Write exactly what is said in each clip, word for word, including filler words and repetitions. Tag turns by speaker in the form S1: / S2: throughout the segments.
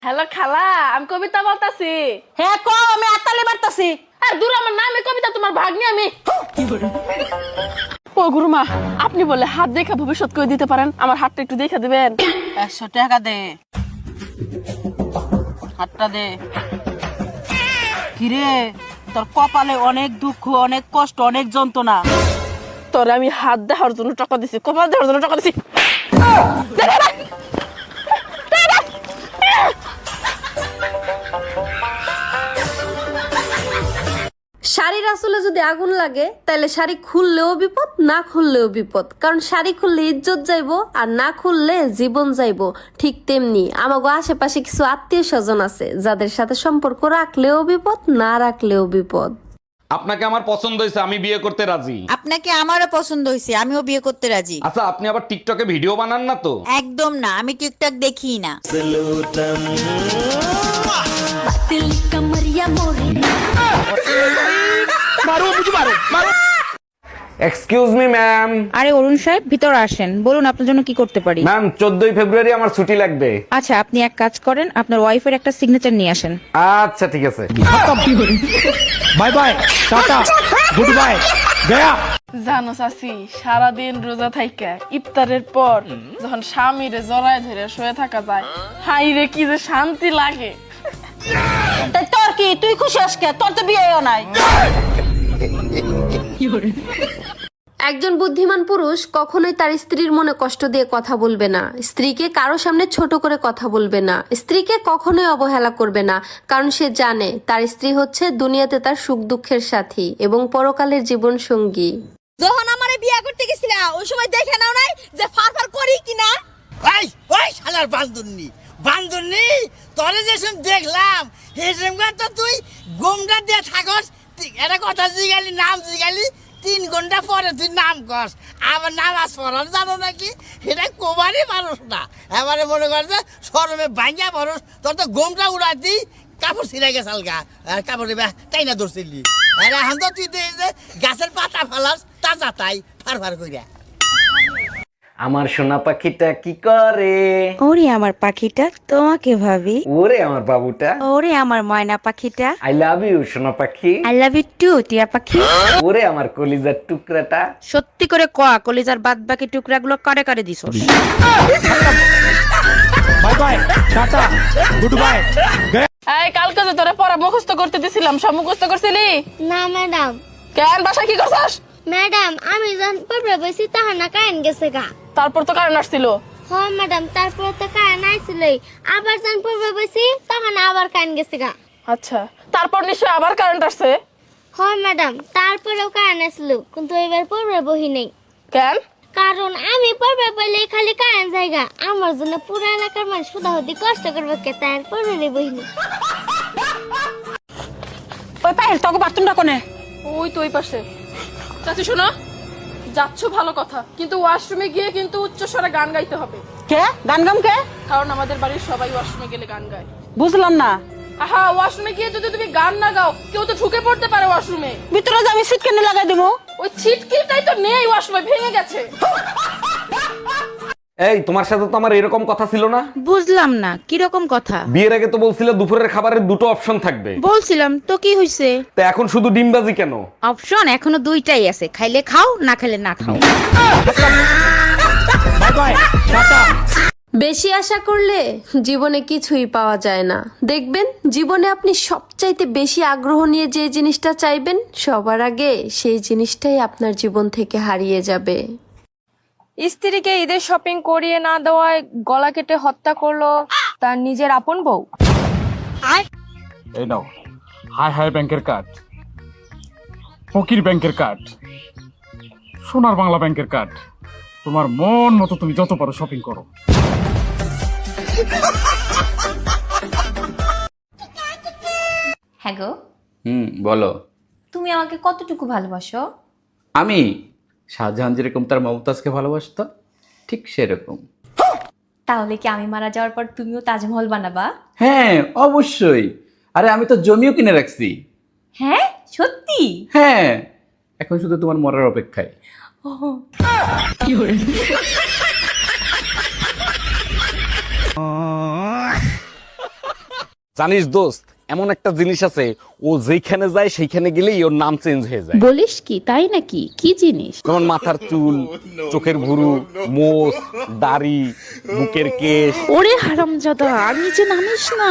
S1: Hello খালা, আমি কবিতা বলতাছি।
S2: হ্যাঁ কও, আমি আতালে মারতাছি।
S1: আর দূর, আমার নামে কবিতা, তোমার ভাগ্নি আমি। ও গুরুমা, আপনি বলে হাত দেখা ভবিষ্যৎ করে দিতে পারেন, আমার হাতটা একটু দেখে দিবেন।
S2: একশো টাকা দে, হাতটা দে। কিরে, তোর কপালে অনেক দুঃখ, অনেক কষ্ট, অনেক যন্ত্রণা।
S1: তোরে আমি হাত দেওয়ার জন্য টাকা দিছি, কপাল দেওয়ার জন্য টাকা দিছি।
S3: শাড়ির আসলে যদি আগুন লাগে তাহলে শাড়ি খুললেও বিপদ, না খুললেও বিপদ। কারণ শাড়ি খুললে ইজ্জত যাইবো, আর না খুললে জীবন যাইবো। ঠিক তেমনি আমাগো আশেপাশে কিছু আত্মীয় স্বজন আছে যাদের সাথে সম্পর্ক রাখলেও বিপদ, না রাখলেও বিপদ।
S4: আপনাকে আমার পছন্দ হয়েছে, আমি বিয়ে করতে রাজি।
S5: আপনাকে আমারও পছন্দ হয়েছে, আমিও বিয়ে করতে রাজি।
S4: আচ্ছা, আপনি আবার টিকটকে ভিডিও বানান না তো?
S5: একদম না, আমি টিকটক দেখি না।
S4: Excuse me ma'am.
S6: আরে অরুণ সাহেব, ভিতরে আসেন, বলুন আপনার জন্য কি করতে পারি।
S4: ম্যাম, চোদ্দই ফেব্রুয়ারি আমার ছুটি লাগবে।
S6: আচ্ছা, আপনি এক কাজ করেন, আপনার ওয়াইফের একটা সিগনেচার নিয়ে আসেন।
S4: আচ্ছা ঠিক আছে।
S7: Bye bye, tata, good bye, গয়া।
S1: জানো চাচি, সারাদিন রোজা থাইকা ইফতারের পর যখন স্বামীরে জড়ায় ধরে শুয়ে থাকা যায়, হাই রে কি যে শান্তি লাগে।
S2: তাই তোর কি, তুই খুশি আজকে? তোর তো বিয়েও নাই।
S3: একজন বুদ্ধিমান পুরুষ কখনোই তার স্ত্রীর মনে কষ্ট দিয়ে কথা বলবে না, স্ত্রীকে কারো সামনে ছোট করে কথা বলবে না, স্ত্রীকে কখনোই অবহেলা করবে না। কারণ সে জানে তার স্ত্রী হচ্ছে দুনিয়াতে তার সুখ দুঃখের সাথী এবং পরকালের জীবন সঙ্গী।
S8: যখন আমারে বিয়া করতে গেছিলা ওই সময় দেখে নাও নাই যে ফারফার করি কিনা?
S9: ওই ওই শালার বান্দুন্নি বান্দুন্নি তোরে যেসব দেখলাম সেসব তো তুই গোমটা দিয়ে থাকস। এটা কথা জিগালি, নাম জিগালি, তিন ঘন্টা পরে তুই নাম কস। আবার নামাজ পড়ার জানো নাকি? সেটা কোবারই মানুষ না, এবারে মনে কর যে সরমে ভাঙ্গা মানুষ। তোর তো গোমটা উড়াই দিই, কাপড় ছিঁড়ে গেছাল গা, আর কাপড় তাই না ধরছিলি। আরে এখন তো তুই দেখ যে গাছের পাতা ফালাস তাজা তাই ফার ফার কইরা।
S4: আমার সোনা পাখিটা কি করে?
S6: ওরে আমার পাখিটা তোমাকে ভাবি,
S4: ওরে আমার বাবুটা,
S6: ওরে আমার ময়না পাখিটা,
S4: আই লাভ ইউ সোনা পাখি।
S6: আই লাভ ইউ টু টিয়া পাখি।
S4: ওরে আমার কলিজার টুকরাটা।
S6: সত্যি করে কয়া, কলিজার বাদ বাকি টুকরাগুলো করে করে দিছস।
S7: Bye bye, tata, good bye, গয়া।
S1: এই কালকে যে তোরে পড়া মুখস্থ করতে দিছিলাম, সব মুখস্থ করছিলি?
S8: না ম্যাডাম।
S1: কেন বাসা কি করছস?
S8: ম্যাডাম আমি যখন পড়বে বসি তখন না কারেন্ট গেছে গা।
S1: তারপর তো কারণ আসছিল।
S8: হ ম্যাডাম, তারপর তো কারেন্ট আইছিল, আবার যখন পড়বে বসি তখন আবার কারেন্ট গেছে গা।
S1: আচ্ছা, তারপর নিশ্চয় আবার কারেন্ট আসছে?
S8: হ ম্যাডাম, তারপরেও কারেন্ট আসলো, কিন্তু এবার পড়বে বহি নেই।
S1: কেন?
S8: কারণ আমি পড়বে বলে খালি কারেন্ট জায়গা, আমার জন্য পুরো এলাকার মানুষ শুধাহুদি কষ্ট করবে কে, তাই আর পড়বে বহি নেই।
S2: ওই পায়ের তোকে বাথরুমটা কোনে?
S1: ওই তো ওই পাশে। চাচি শোনো, যাচ্ছ ভালো কথা, কিন্তু ওয়াশরুমে গিয়ে কিন্তু উচ্চ স্বরে গান গাইতে হবে।
S2: কে গান গাম কে?
S1: কারণ আমাদের বাড়ির সবাই ওয়াশরুমে গেলে গান গায়।
S2: বুঝলাম না।
S1: আহা, ওয়াশরুমে গিয়ে যদি তুমি গান না গাও, কেউ তো ঢুকে পড়তে পারে ওয়াশরুমে।
S2: ভিতরে যে আমি সিটকানি লাগাই দেবো।
S1: ওই ছিটকিটাই তো নেই ওয়াশরুমে, ভেঙে গেছে।
S4: এই, তোমার সাথে তো আমার এরকম কথা ছিল না।
S6: বুঝলাম না, কিরকম কথা?
S4: বিয়ের আগে তো বলছিলে দুপুরের খাবারের দুটো অপশন থাকবে।
S6: বলছিলাম তো, কি হইছে?
S4: তো এখন শুধু ডিমবাজি কেন?
S6: অপশন এখনো দুইটাই আছে, খাইলে খাও, না খাইলে না খাও।
S7: Bye bye, tata.
S3: বেশি আশা করলে জীবনে কিছুই পাওয়া যায় না। দেখবেন জীবনে আপনি সবচাইতে বেশি আগ্রহ নিয়ে যে জিনিসটা চাইবেন, সবার আগে সেই জিনিসটাই আপনার জীবন থেকে হারিয়ে যাবে।
S10: স্ত্রীকে ঈদের শপিং করিয়ে না দেওয়ায় গলা কেটে হত্যা করলো তার নিজের আপন বউ।
S7: এই নাও, হাই হাই ব্যাংকের কার্ড, ফকির ব্যাংকের কার্ড, সোনার বাংলা ব্যাংকের কার্ড। তোমার মন মতো তুমি যত পারো শপিং করো।
S11: হ্যাঁ গো।
S12: হুম, বলো।
S11: তুমি আমাকে কতটুকু ভালোবাসো?
S12: আমি শাহজাহান যেরকম তার মমতাজকে ভালোবাসতো, ঠিক সেরকম।
S11: তাহলে কি আমি মারা যাওয়ার পর তুমিও তাজমহল বানাবা?
S12: হ্যাঁ অবশ্যই। আরে আমি তো জমিও কিনে রাখছি।
S11: হ্যাঁ সত্যি?
S12: হ্যাঁ, এখন শুধু তোমার মরার অপেক্ষায়।
S4: জানিস দোস্ত, এমন একটা জিনিস আছে, ও যেখানে যায় সেইখানে গেলেই ওর নাম চেঞ্জ হয়ে যায়।
S2: বলিস কি, তাই নাকি? কি জিনিস?
S4: যেমন মাথার চুল, চোখের ভুরু, মোষ, দাড়ি, বুকের কেশ।
S2: ওরে হারামজাদা, আর নিচে নামিস না।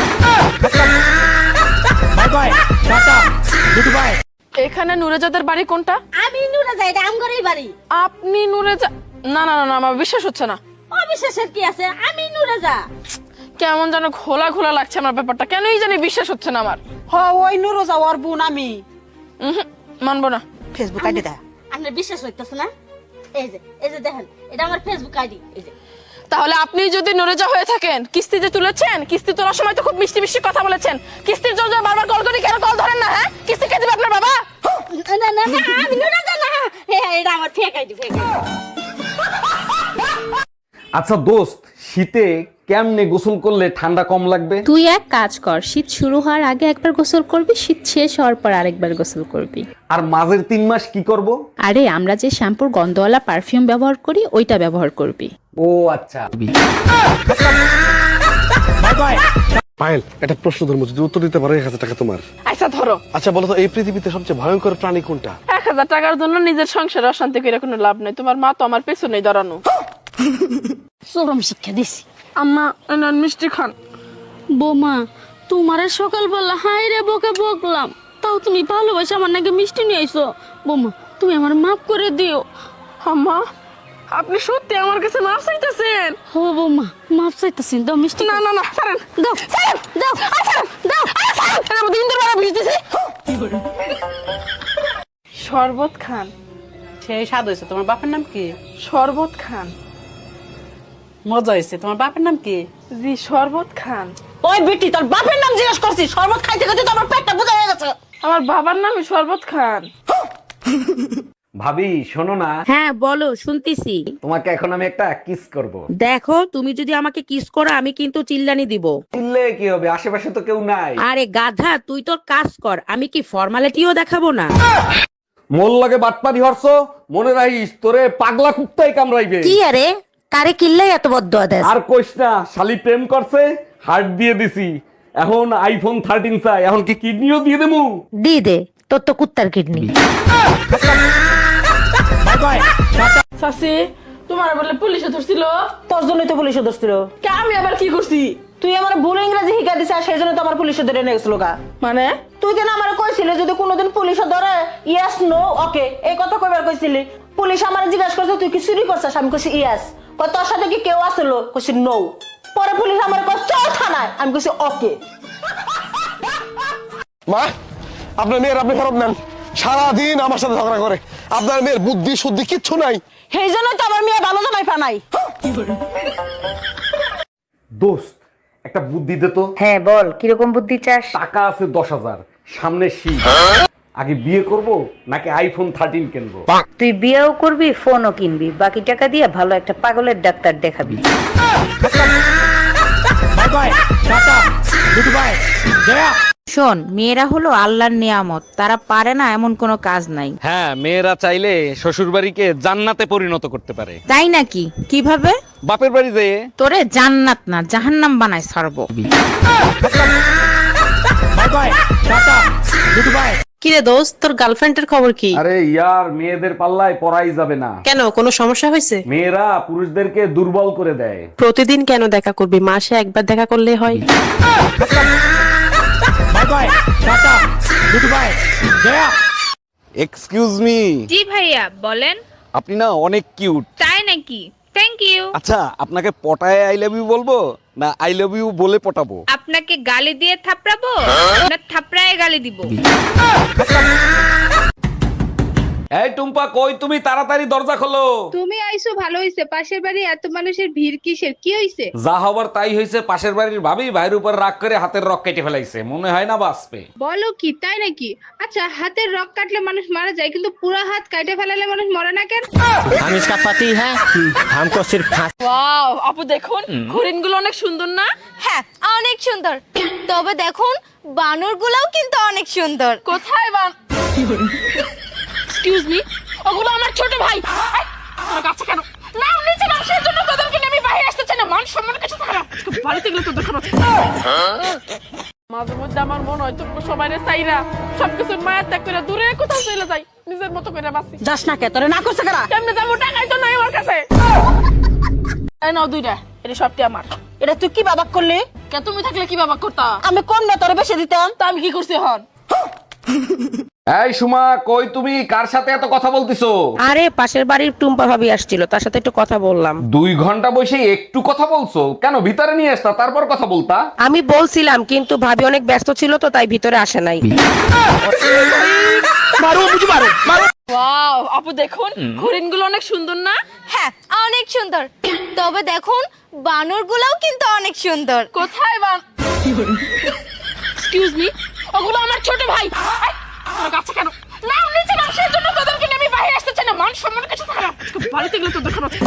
S1: এখানে নুরেজাদের বাড়ি কোনটা?
S2: আমি নুরাজা, এটা আমগরেই বাড়ি।
S1: আপনি নুরেজা? না না না না, আমার বিশ্বাস হচ্ছে না।
S2: অবিশ্বাসের কি আছে? আমি নুরাজা।
S1: কেমন যেন ঘোলা ঘোলা লাগছে আমার ব্যাপারটা, কেনই জানি বিশ্বাস হচ্ছে না আমার।
S2: হ, ওই নুরাজা ওর বোন আমি।
S1: উহুম, মানবো না।
S5: ফেসবুক আইডি দা।
S2: আপনার বিশ্বাস হইতেছে না? এই যে এই যে দেখেন, এটা আমার ফেসবুক আইডি। এই যে
S1: তাহলে আপনি যদি নুরেজা হয়ে থাকেন, কিস্তি যে তুলেছেন, কিস্তি তোলার সময় তো খুব মিষ্টি মিষ্টি কথা বলেছেন। কিস্তির জন্য বারবার কল করি, কেন কল ধরেন না? হ্যাঁ, কিস্তি কে দিবে আপনার বাবা?
S2: না না না, আমি নুরাজা না। এটা আমার ফেক আইডি, ফেক আইডি।
S4: আচ্ছা দোস্ত, শীতে কেমনে গোসল করলে ঠান্ডা কম লাগবে?
S11: তুই এক কাজ কর, শীত শুরু হওয়ার আগে একবার গোসল করবি, শীত শেষ হওয়ার পর আরেকবার গোসল করবি।
S4: আর মাঝের তিন মাস কি করব?
S11: আরে আমরা যে শ্যাম্পুর গন্ধওয়ালা পারফিউম ব্যবহার করি, ওইটা ব্যবহার করবি।
S4: ও আচ্ছা।
S13: পায়েল, একটা প্রশ্ন ধর্ম, যদি উত্তর দিতে পারো এক হাজার টাকা তোমার।
S1: আচ্ছা ধরো।
S13: আচ্ছা বলো তো, এই পৃথিবীতে সবচেয়ে ভয়ঙ্কর প্রাণী কোনটা?
S1: এক হাজার টাকার জন্য নিজের সংসারে অশান্তি করে কোনো লাভ নেই। তোমার মা তো আমার পেছনেই দাঁড়ানো।
S2: চরম শিক্ষা দিছি।
S1: আম্মা এনান মিষ্টি খান।
S2: বোমা, তোমারে সকালবেলা হাই রে বকে বকলাম, তাও তুমি ভালোবাসে আমার নাকি মিষ্টি নিয়ে আইছো। বোমা, তুমি আমার মাফ করে দিও।
S1: আম্মা, আপনি সত্যি আমার কাছে মাফ চাইতেছেন?
S2: হো বোমা, মাফ চাইতেছি, দাও মিষ্টি।
S1: না না না, ছাড়েন।
S2: দাও
S1: ছাড়েন,
S2: দাও
S1: আরে ছাড়েন,
S2: দাও।
S1: আরে ছাড়েন। আমি দিন ধরে মারা বুঝতেছি। শরবত খান।
S6: সেই স্বাদ হয়েছে। তোমার বাপের নাম কি?
S1: শরবত খান।
S6: মজা হয়েছে। তোমার বাপের নাম কি?
S1: জি, শরবত খান।
S2: ওই বেটি, তোর বাপের নাম জিজ্ঞেস করছি। শরবত খাইতে খাইতে তো আমার পেটটা বোঝা হয়ে গেছে।
S1: আমার বাবার নামই শরবত খান।
S4: ভাবি শোনো না।
S6: হ্যাঁ বলো, শুনতেছি।
S4: তোমাকে এখন আমি একটা কিস করব।
S6: দেখো, তুমি যদি আমাকে কিস করো, আমি কিন্তু চিল্লানি দিব।
S4: চিল্লে কি হবে, আশেপাশে তো কেউ নাই।
S6: আরে গাধা, তুই তোর কাজ কর, আমি কি ফর্মালিটিও দেখাবো না?
S4: মোল লাগে বাটপারি হরছ, মনে রাখিস তোরে পাগলা কুত্তাই কামড়াইবে।
S2: কি আরে, কারে কিল্লাই এত বদ্ধ দেশ?
S4: আর কইস না, শালি প্রেম করছে, হার্ট দিয়ে দিছি, এখন আইফোন থার্টিন চাই, এখন কি কিডনিও দিয়ে দেবো?
S2: দি দে, তোর তো কুত্তার কিডনি।
S1: সাসি, তোমার বলে পুলিশে ধরছিল?
S2: তোর জন্যই তো পুলিশে ধরছিল।
S1: কে, আমি আবার কি করছি?
S2: তুই আমার ভুল ইংরেজি শিখা দিছিস, আর সেই জন্য তো আমার পুলিশে ধরে নিয়ে গেছিল গা।
S1: মানে
S2: তুই কেন আমার কইছিলি যদি কোনোদিন পুলিশে ধরে, ইয়েস নো ওকে এই কথা কইবার কইছিলি? পুলিশ আমার জিজ্ঞাসা করছে তুই কি চুরি করছিস, আমি কইছি ইয়েস। কই তোর সাথে কি কেউ আসছিল, কইছি নো। পরে পুলিশ আমার কই চল থানায়, আমি কইছি ওকে।
S13: মা, আপনার মেয়ের আপনি ফেরত নেন। সারাদিন আমার সাথে ঝগড়া করে, আপনার মেয়ের বুদ্ধি শুদ্ধি কিচ্ছু নাই।
S2: সেই জন্য তো আমার মেয়ে ভালো জামাই পানাই।
S4: দোস্ত, একটা বুদ্ধি দে তো।
S6: হ্যাঁ বল, কিরকম বুদ্ধি চাস?
S4: টাকা আছে দশ হাজার, সামনে শীত, আগে বিয়ে করব নাকি আইফোন থার্টিন কিনবো?
S6: তুই বিয়েও করবি, ফোনও কিনবি, বাকি টাকা দিয়ে ভালো একটা পাগলের ডাক্তার দেখাবি। শোন, মেয়েরা হলো আল্লাহর নিয়ামত, তারা পারে না এমন কোনো কাজ নাই।
S4: হ্যাঁ, মেয়েরা চাইলে শ্বশুর বাড়িকে জান্নাতে পরিণত করতে পারে।
S6: তাই নাকি? কিভাবে?
S4: বাপের বাড়ি যেয়ে
S6: তোরে জান্নাত না জাহান্নাম বানায় ছাড়বো। কিরে দোস্ত, তোর গার্লফ্রেন্ডের খবর কি?
S4: আরে ইয়ার, মেয়েদের পাল্লায় পড়াই যাবে না।
S10: কেন, কোনো সমস্যা হয়েছে?
S4: মেয়েরা পুরুষদেরকে দুর্বল করে দেয়।
S10: প্রতিদিন কেন দেখা করবি? মাসে একবার দেখা করলে হয়।
S4: Excuse me.
S10: জি ভাইয়া, বলেন।
S4: আপনি না অনেক কিউট।
S10: তাই নাকি? Thank you.
S4: আচ্ছা, আপনাকে পটায় আই লাভ ইউ বলবো না আই লাভ ইউ বলে পটাবো?
S10: আপনাকে গালি দিয়ে থাপড়াবো না থাপড়ায় গালি দিব?
S4: এই টুম্পা, কই তুমি? তাড়াতাড়ি দরজা খোলো।
S10: তুমি আইছো ভালো হইছে, পাশের বাড়ি এত মানুষের ভিড় কিসের? কি হইছে?
S4: যা হবার তাই হয়েছে, পাশের বাড়ির ভাবি ভাইয়ের উপর রাগ করে হাতের রক কেটে ফেলাইছে, মনে হয় না বাঁচবে।
S10: বলো কি, তাই নাকি? আচ্ছা, হাতের রক কাটলে মানুষ মারা যায়, কিন্তু পুরো হাত কাটে ফেলালে মানুষ মরে না কেন?
S9: हम इसका पति है, हमको सिर्फ
S1: ওয়াও, আপু দেখুন, হরিণগুলো অনেক সুন্দর না?
S8: হ্যাঁ, অনেক সুন্দর। তবে দেখুন, বানরগুলোও কিন্তু অনেক সুন্দর।
S1: কোথায় বান? এক্সকিউজ মি, ওগুলো আমার ছোট ভাই। এই, আমার কাছে কেন? না, নিচে মানুষের জন্য তোদেরকে নিয়ে আমি বাইরে আসতে চাই না। মান সম্মান কিছু থাকে না। আজকে বাড়িতে গেলে তোদের খারাপ। মাঝে মধ্যে আমার মনে হয় তুমি সবাই চাইরা সবকিছু মায়ের ত্যাগ করে দূরে কোথাও চলে যাই, নিজের মতো করে বাঁচি।
S2: যাস না কে, তোরে না করছে কারা?
S1: কেমনে যাবো, টাকাই তো নাই আমার কাছে। এই নাও দুইটা, এটা সবটি আমার।
S2: এটা তুই কি বাবা করলি?
S1: কে তুমি থাকলে কি বাবা করতা?
S2: আমি কোন না তোরে বেশি দিতাম?
S1: তা আমি কি করছি হন?
S4: এই সুমা, কই তুমি? কার সাথে এত কথা বলতিছো?
S14: আরে পাশের বাড়ির টুম্পা ভাবি আসছিল, তার সাথে একটু কথা বললাম।
S4: দুই ঘন্টা বসে একটু কথা বলছো কেন? ভিতরে নিয়ে আসতা, তারপর কথা বলতা।
S14: আমি বলছিলাম কিন্তু ভাবি অনেক ব্যস্ত ছিল তো তাই ভিতরে আসে নাই।
S2: মারো বুঝি মারো মারো।
S1: ওয়াও আপু দেখুন, হরিণগুলো অনেক সুন্দর না?
S8: হ্যাঁ অনেক সুন্দর, তবে দেখুন বানরগুলোও কিন্তু অনেক সুন্দর।
S1: কোথায় বান? এক্সকিউজ মি, ওগুলো আমার ছোট ভাই। এই, তোর কাছে কেন? না নিচে নাম, সেই জন্য তোদেরকে নিয়ে আমি বাইরে আসতে চাই না। মান সম্মান কিছু থাকে না, আজকে বাড়িতে গেলে তোদের খারাপ।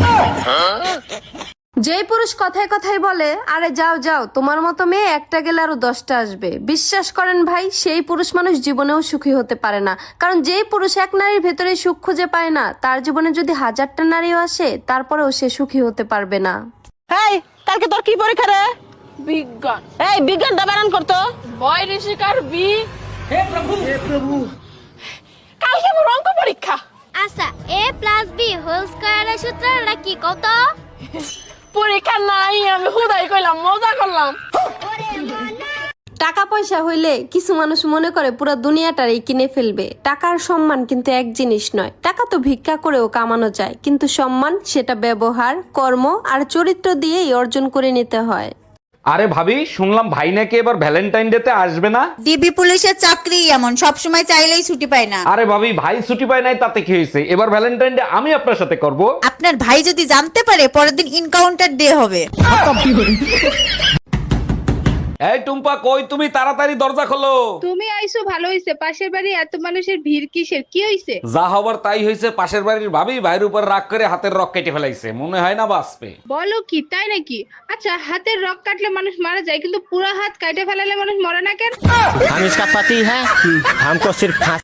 S3: যেই পুরুষ কথায় কথায় বলে আরে যাও যাও তোমার মতো মেয়ে একটা গেলে আরো দশটা আসবে, বিশ্বাস করেন ভাই সেই পুরুষ মানুষ জীবনেও সুখী হতে পারে না। কারণ যেই পুরুষ এক নারীর ভেতরে সুখ খুঁজে পায় না, তার জীবনে যদি হাজারটা নারীও আসে তারপরেও সে সুখী হতে পারবে না।
S2: এই কালকে তোর কি পরীক্ষা রে?
S1: বিজ্ঞান।
S2: এই বিজ্ঞানটা বানান করতো।
S1: বয় ঋষিকার বি। হে প্রভু হে প্রভু, কালকে আমার অঙ্ক পরীক্ষা।
S8: আচ্ছা এ প্লাস বি হোল স্কয়ারের সূত্রটা কি কত?
S1: পরীক্ষা নাই, আমি হুদাই কইলাম, মজা করলাম।
S3: টাকা পয়সা হইলে কিছু মানুষ মনে করে পুরো দুনিয়াটারই কিনে ফেলবে। টাকার সম্মান কিন্তু এক জিনিস নয়। টাকা তো ভিক্ষা করেও কামানো যায়, কিন্তু সম্মান সেটা ব্যবহার, কর্ম আর চরিত্র দিয়েই অর্জন করে নিতে হয়।
S4: আরে ভাবি, শুনলাম ভাই নাকি এবার ভ্যালেন্টাইন ডে তে আসবে না?
S5: ডিবি পুলিশের চাকরি এমন, সব সময় চাইলেই ছুটি পায় না।
S4: আরে ভাবি, ভাই ছুটি পায় নাই তাতে কি হয়েছে? এবার ভ্যালেন্টাইন ডে আমি আপনার সাথে করব।
S5: আপনার ভাই যদি জানতে পারে পরের দিন ইনকাউন্টার ডে হবে।
S4: এই টুম্পা, কই তুমি? তাড়াতাড়ি দরজা খোলো।
S10: তুমি আইছো ভালো হইছে, পাশের বাড়ি এত মানুষের ভিড় কিসের? কি হইছে?
S4: যা হবার তাই হয়েছে। পাশের বাড়ির ভাবি ভাইয়ের উপর রাগ করে হাতের রক কেটে ফেলাইছে, মনে হয় না বাঁচবে।
S10: বলো কি, তাই নাকি? আচ্ছা হাতের রক কাটলে মানুষ মারা যায়, কিন্তু পুরো হাত কাটে ফেলালে মানুষ মরে না কেন?
S9: हम इसका पति है, हमको सिर्फ